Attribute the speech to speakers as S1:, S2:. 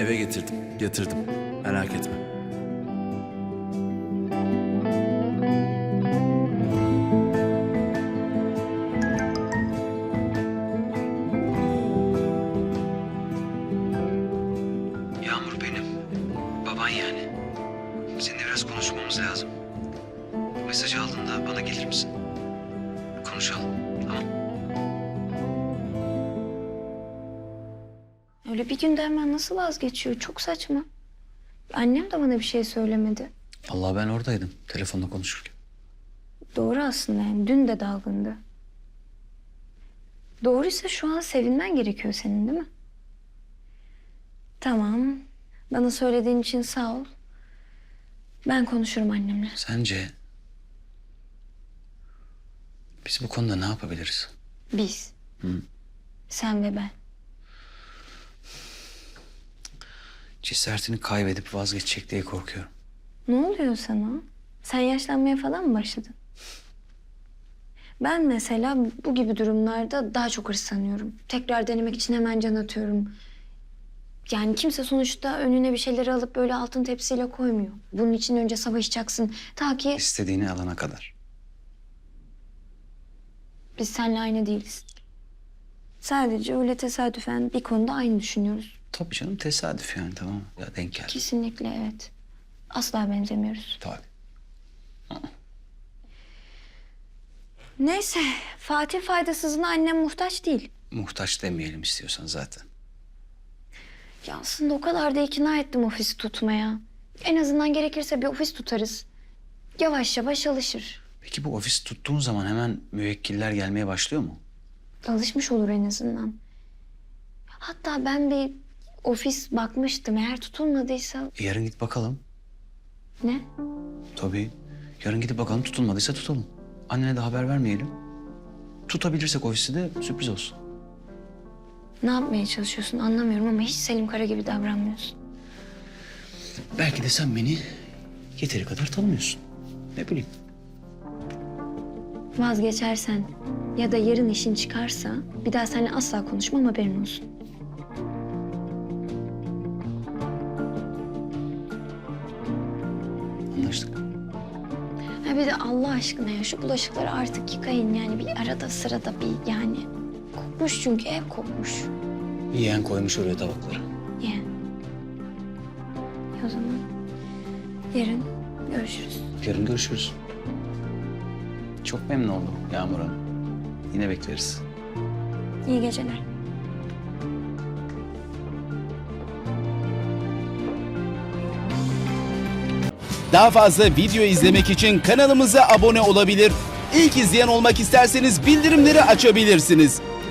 S1: Eve getirdim. Merak etme.
S2: Yağmur benim. Baban yani. Seninle biraz konuşmamız lazım. Mesajı aldığında bana gelir misin? Konuşalım, tamam?
S3: Öyle bir günde hemen nasıl vazgeçiyor? Çok saçma. Annem de bana bir şey söylemedi.
S2: Vallahi ben oradaydım telefonda konuşurken.
S3: Doğru aslında yani. Dün de dalgındı. Doğruysa şu an sevinmen gerekiyor senin, değil mi? Tamam. Bana söylediğin için sağ ol. Ben konuşurum annemle.
S2: Sence biz bu konuda ne yapabiliriz?
S3: Biz.
S2: Hı.
S3: Sen ve ben.
S2: Cesaretini kaybedip vazgeçecek diye korkuyorum.
S3: Ne oluyor sana? Sen yaşlanmaya falan mı başladın? Ben mesela bu gibi durumlarda daha çok hırslanıyorum. Tekrar denemek için hemen can atıyorum. Yani kimse sonuçta önüne bir şeyleri alıp böyle altın tepsiyle koymuyor. Bunun için önce savaşacaksın. Ta ki
S2: İstediğini alana kadar.
S3: biz seninle aynı değiliz. Sadece öyle tesadüfen bir konuda aynı düşünüyoruz.
S2: Tabii canım, tesadüf yani, tamam mı? Ya denk geldi.
S3: Kesinlikle evet. Asla benzemiyoruz.
S2: Tabii.
S3: Neyse, Fatih faydasızına annem muhtaç değil.
S2: Muhtaç demeyelim istiyorsan zaten.
S3: Ya aslında o kadar da ikna ettim ofisi tutmaya. En azından gerekirse bir ofis tutarız. Yavaş yavaş alışır.
S2: Peki bu ofis tuttuğun zaman hemen müvekkiller gelmeye başlıyor mu?
S3: Alışmış olur en azından. Hatta ben bir ofis bakmıştım. Eğer tutulmadıysa...
S2: Yarın git bakalım.
S3: Ne?
S2: Tabii. Yarın gidip bakalım, tutulmadıysa tutalım. Annene de haber vermeyelim. Tutabilirsek ofisi de sürpriz olsun.
S3: Ne yapmaya çalışıyorsun anlamıyorum ama hiç Selim Kara gibi davranmıyorsun.
S2: Belki de sen beni yeteri kadar tanımıyorsun. Ne bileyim.
S3: Vazgeçersen ya da yarın işin çıkarsa bir daha seninle asla konuşmam, haberin olsun.
S2: Anlaştık.
S3: Ha bir de Allah aşkına ya şu bulaşıkları artık yıkayın yani bir arada sırada bir yani. Kokmuş çünkü ev kokmuş.
S2: Yeğen koymuş oraya tabakları.
S3: Yani. O zaman yarın görüşürüz.
S2: Yarın görüşürüz. Çok memnun oldum Yağmur Hanım. Yine bekleriz.
S3: İyi geceler.
S4: Daha fazla video izlemek için kanalımıza abone olabilir. İlk izleyen olmak isterseniz bildirimleri açabilirsiniz.